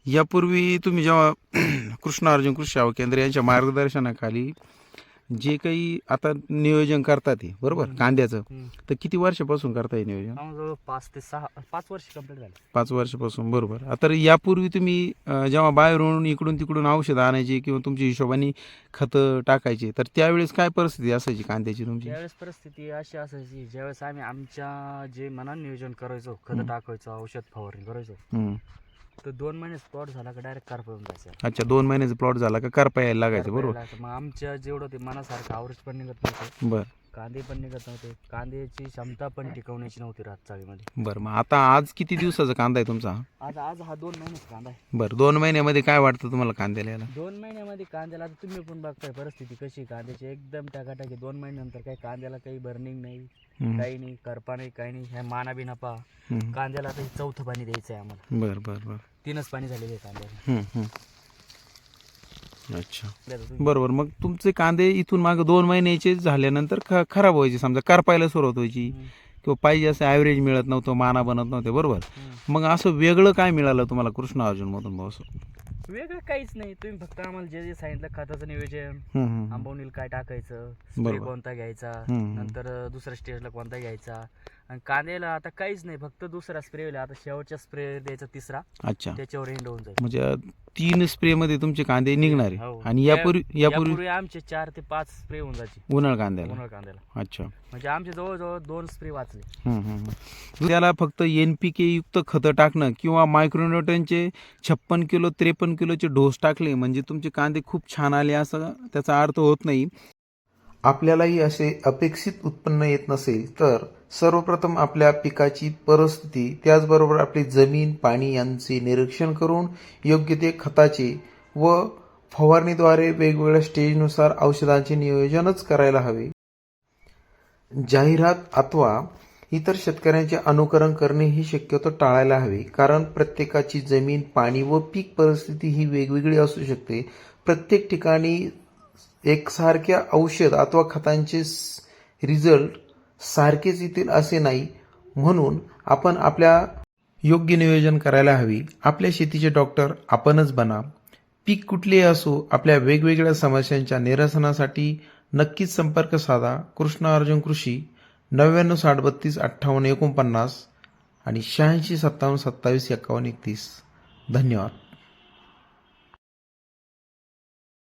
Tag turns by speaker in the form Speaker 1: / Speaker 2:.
Speaker 1: यापूर्वी तुम्ही जेव्हा कृष्ण अर्जुन कृषी सेवा केंद्र यांच्या मार्गदर्शनाखाली जे काही आता नियोजन करतात ते बरोबर कांद्याचं, तर किती वर्षापासून करताय नियोजन?
Speaker 2: जवळ 5 ते 6 5 वर्ष कंप्लीट झाले.
Speaker 1: 5 वर्षापासून, बरोबर. आता यापूर्वी तुम्ही जेव्हा बाहेरून इकडून तिकडून औषधं आणायची किंवा तुमच्या हिशोबाने खतं टाकायची, तर त्यावेळेस काय परिस्थिती असायची कांद्याची तुमची?
Speaker 2: त्यावेळेस परिस्थिती अशी असायची, ज्यावेळेस आम्ही आमच्या जे मनात नियोजन करायचो, खतं टाकायचो, औषध फवारणी करायचो, तर 2 महिने प्लॉट झाला का डायरेक्ट कारपळून जायचं.
Speaker 1: अच्छा, 2 महिन्याचा प्लॉट झाला का करपा यायला लागायचं, बरोबर.
Speaker 2: मग आमच्या जेवढं ते मनासारखं आवरेज पण निघत नव्हतं,
Speaker 1: बरं
Speaker 2: कांदे पण निघत नव्हते, कांद्याची क्षमता पण टिकवण्याची नव्हती रात चाळीमध्ये.
Speaker 1: बरं. मग आता आज किती दिवसाचा कांदा आहे तुमचा?
Speaker 2: आज हा 2 महिन्याचा कांदा आहे.
Speaker 1: बरं, 2 महिन्यामध्ये काय वाटतं तुम्हाला कांद्याला यायला?
Speaker 2: 2 महिन्यामध्ये कांद्याला आता तुम्ही पण बघताय परिस्थिती कशी कांद्याची, एकदम टाकाटाकी. 2 महिन्यानंतर काही कांद्याला काही बर्निंग नाही, काही नाही, करपा नाही, काही नाही. ह्या माना बिना पहा, कांद्याला आता 4थं पाणी द्यायचं आहे आम्हाला.
Speaker 1: बरं बरं बरं.
Speaker 2: 3च पाणी झालेले आहे कांद्याला.
Speaker 1: अच्छा, बरोबर. मग तुमचे कांदे इथून मागे 2 महिन्याचे झाल्यानंतर खराब व्हायचे, समजा करपायला सुरुवात व्हायची किंवा पाहिजे असं ॲव्हरेज मिळत नव्हतं, माना बनत नव्हते, बरोबर. मग असं वेगळं काय मिळालं तुम्हाला कृष्ण अर्जुन मधून भाऊ?
Speaker 2: वेगळं काहीच नाही, तुम्ही फक्त आम्हाला जे जे सांगितलं खताचं नियोजन, आंबवणीला काय टाकायचं, स्प्रे कोणता घ्यायचा, नंतर दुसऱ्या स्टेजला कोणता घ्यायचा, आणि कांद्याला आता काहीच नाही, फक्त दुसरा स्प्रे आता शेवटचा स्प्रे द्यायचा, तिसरा. अच्छा, त्याच्यावर एंड होऊन जाईल.
Speaker 1: म्हणजे 3 स्प्रे मध्ये तुमचे कांदे निघणार आहे. आणि यापूर्वी
Speaker 2: आमचे 4 ते 5 स्प्रे होऊन जायचे
Speaker 1: उन्हाळ कांद्याला.
Speaker 2: अच्छा, म्हणजे आमचे जवळजवळ 2 स्प्रे वाचले.
Speaker 1: त्याला फक्त NPK युक्त खतं टाकणं किंवा मायक्रोन्यूट्रनचे 56 किलो 53 किलोचे डोस टाकले म्हणजे तुमचे कांदे खूप छान आले असं त्याचा अर्थ होत नाही. आपल्यालाही असे अपेक्षित उत्पन्न येत नसेल तर सर्वप्रथम आपल्या पिकाची परिस्थिती, त्याचबरोबर आपली जमीन, पाणी यांचे निरीक्षण करून योग्य ते खताचे व फवारणीद्वारे वेगवेगळ्या स्टेजनुसार औषधांचे नियोजनच करायला हवे. जाहिरात अथवा इतर शेतकऱ्यांचे अनुकरण करणे ही शक्यतो टाळायला हवे, कारण प्रत्येकाची जमीन, पाणी व पीक परिस्थिती ही वेगवेगळी असू शकते. प्रत्येक ठिकाणी एकसारख्या औषध अथवा खतांचे रिझल्ट सारखेच येतील असे नाही, म्हणून आपण आपल्या योग्य नियोजन करायला हवे. आपल्या शेतीचे डॉक्टर आपणच बना. पीक कुठलेही असो, आपल्या वेगवेगळ्या समस्यांच्या निरसनासाठी नक्कीच संपर्क साधा. कृष्ण अर्जुन कृषी 99 60 32 58 49 आणि 86 57 27 51 31. धन्यवाद.